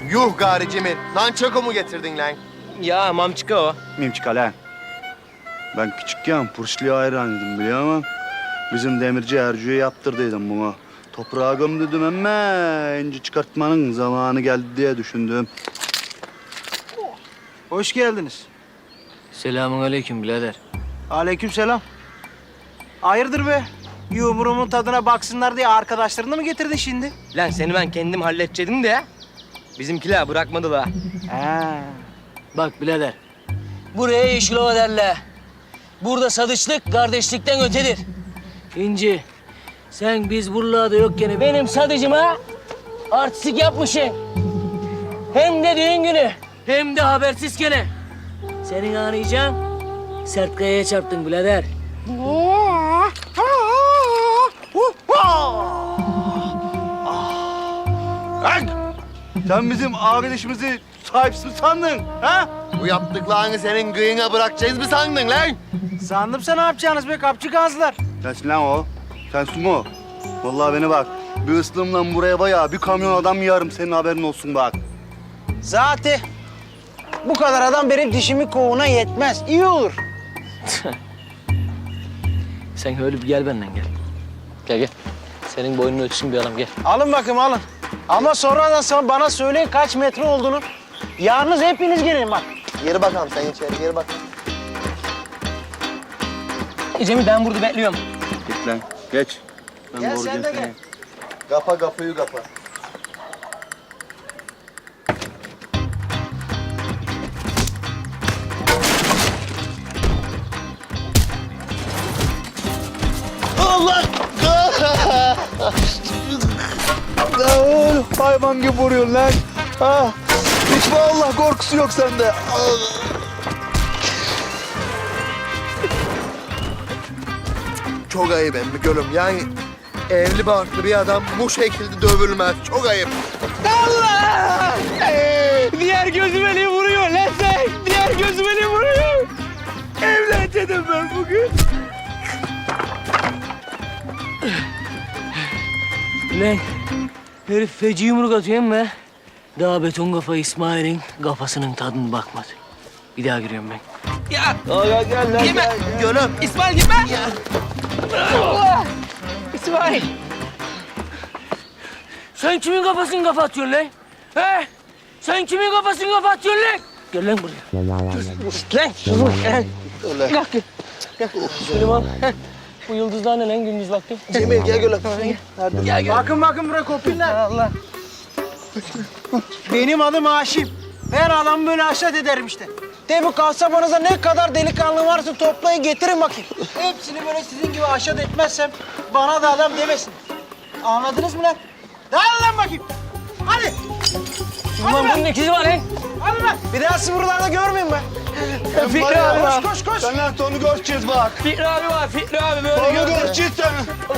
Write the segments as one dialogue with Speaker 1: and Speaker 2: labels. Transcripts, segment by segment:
Speaker 1: Yuh gari Cemil. Nançako mu getirdin lan?
Speaker 2: Ya mamçıka o.
Speaker 3: Mimçika lan. Ben küçükken Purşlu'ya hayranıydım biliyor musun? Bizim demirci Ercü'ye yaptırdıydım bunu. Toprağa gömdüydüm ama inci çıkartmanın zamanı geldi diye düşündüm.
Speaker 4: Hoş geldiniz.
Speaker 2: Selamünaleyküm birader.
Speaker 4: Aleykümselam. Hayırdır be? Yumurumun tadına baksınlar diye arkadaşlarını mı getirdin şimdi?
Speaker 2: Lan seni ben kendim halledecektim de bizimkiler bırakmadılar.
Speaker 4: He.
Speaker 5: Bak birader, buraya Yeşilova derler. Burada sadıçlık kardeşlikten ötedir. İnci, sen biz buralarda yokken benim sadıcıma artistik yapmışsın. Hem de düğün günü, hem de habersiz gene. Senin anlayacağın sert kayaya çarptın birader.
Speaker 3: Sen bizim arkadaşımızı sahipsiz mi sandın? Ha?
Speaker 1: Bu yaptıklarını senin gıyına bırakacağız mı sandın lan?
Speaker 4: Sandım sen ne yapacağınız be kapçı gazlar.
Speaker 3: Sensin lan o. Sensin o. Vallahi beni bak. Bir ıslımla buraya bayağı bir kamyon adam yarım senin haberin olsun bak.
Speaker 4: Zaten bu kadar adam benim dişimi kovuğuna yetmez. İyi olur.
Speaker 5: Sen öyle bir gel benden gel. Gel gel. Senin boynunu ölçsün bir adam gel.
Speaker 4: Alın bakayım alın. Ama sonra bana söyleyin kaç metre olduğunu. Yalnız hepiniz gelin bak.
Speaker 1: Geri bakalım sen içeri geri bak.
Speaker 2: Cemil ben burada bekliyorum.
Speaker 3: Git lan. Geç. Ben
Speaker 4: Gel
Speaker 3: doğuracağım
Speaker 4: sen de
Speaker 3: seni.
Speaker 4: gel.
Speaker 1: Kapa kapıyı kapa. Allah!
Speaker 3: Lan hayvan gibi vuruyorsun lan. Ha. Hiç vallahi korkusu yok sende.
Speaker 1: Çok ayıp emmi gülüm. Yani evli barklı bir adam bu şekilde dövülmez. Çok ayıp.
Speaker 2: Allah! Diğer gözüm eli vuruyor lan sen. Diğer gözüm eli vuruyor. Evleneceğim ben bugün.
Speaker 5: Lan herif feci yumruk atıyor ama daha beton kafa İsmail'in kafasının tadına bakmadı. Bir daha giriyorum ben.
Speaker 2: Ya. Gitme. Gülüm. İsmail gitme. Allah! İsmail.
Speaker 5: Sen kimin kafasını kafa atıyorsun lan? He? Sen kimin kafasını kafa atıyorsun lan? Gel lan buraya.
Speaker 2: Lan.
Speaker 1: Öyle.
Speaker 5: Süleyman. Bu yıldızlar ne lan gündüz vakti?
Speaker 1: Cemil gel gülüm.
Speaker 2: Gel gel.
Speaker 4: Bakın buraya kopinler. Allah. Benim adım Haşim. Her adamı böyle haşat ederim işte. De bu kasabanıza ne kadar delikanlı varsa toplayın getirin bakayım. Hepsini böyle sizin gibi haşat etmezsem bana da adam demesin. Anladınız mı lan? Dağılın lan bakayım. Hadi.
Speaker 5: Ulan bunun ikizi var lan.
Speaker 4: Hadi lan. Bir daha sizi buralarda görmeyeyim ben.
Speaker 5: Fikri abi var.
Speaker 4: Koş.
Speaker 3: Sen lan onu göreceğiz bak.
Speaker 5: Fikri abi var. Fikri abi böyle
Speaker 3: Onu
Speaker 5: gördüm.
Speaker 3: göreceğiz sen.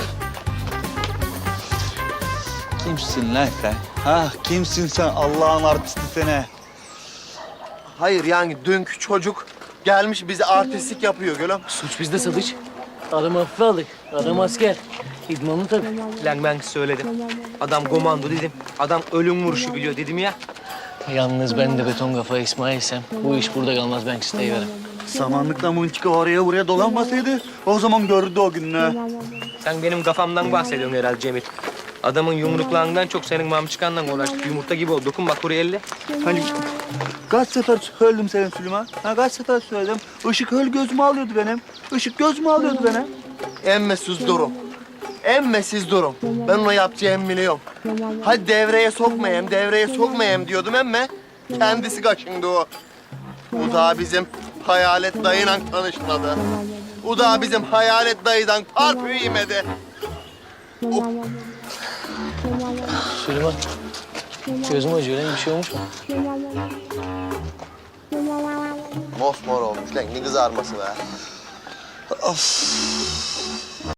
Speaker 3: Kimsin lan sen? Ha kimsin sen Allah'ın artisti seni?
Speaker 1: Hayır yani dünkü çocuk gelmiş bize artistlik yapıyor gülüm.
Speaker 5: Suç bizde Sadıç. Adam hafife aldık. Adam asker. İdmanlı tabii.
Speaker 2: Lan ben söyledim. Adam komando dedim. Adam ölüm vuruşu biliyor dedim ya.
Speaker 5: Yalnız ben de beton kafa İsmail'sem bu iş burada kalmaz ben isteyiverim.
Speaker 3: Samanlıkla mıntıka oraya buraya dolanmasaydı o zaman görürdü o gününü.
Speaker 2: Sen benim kafamdan bahsediyorsun herhalde Cemil. Adamın yumruklarından çok senin mamçıkandan uğraştık. Yumurta gibi oldu. Dokun bak buraya elle.
Speaker 3: Hani kaç sefer söyledim senin Süleyman? Ha kaç sefer söyledim. Işık öyle gözümü alıyordu benim. Işık gözümü alıyordu benim.
Speaker 1: Emmesiz durum. Emmesiz durum. Ben ona yapacağımı biliyorum. Hadi devreye sokmayayım diyordum emme. Kendisi kaşındı o. O da bizim hayalet dayıyla tanışmadı. O da bizim hayalet dayıdan parfüm yemedi.
Speaker 5: Süleyman. Gözüm acıyor lan bir şey olmuş mu?
Speaker 1: Mosmor olmuş lan ne kızarması be.
Speaker 3: Of.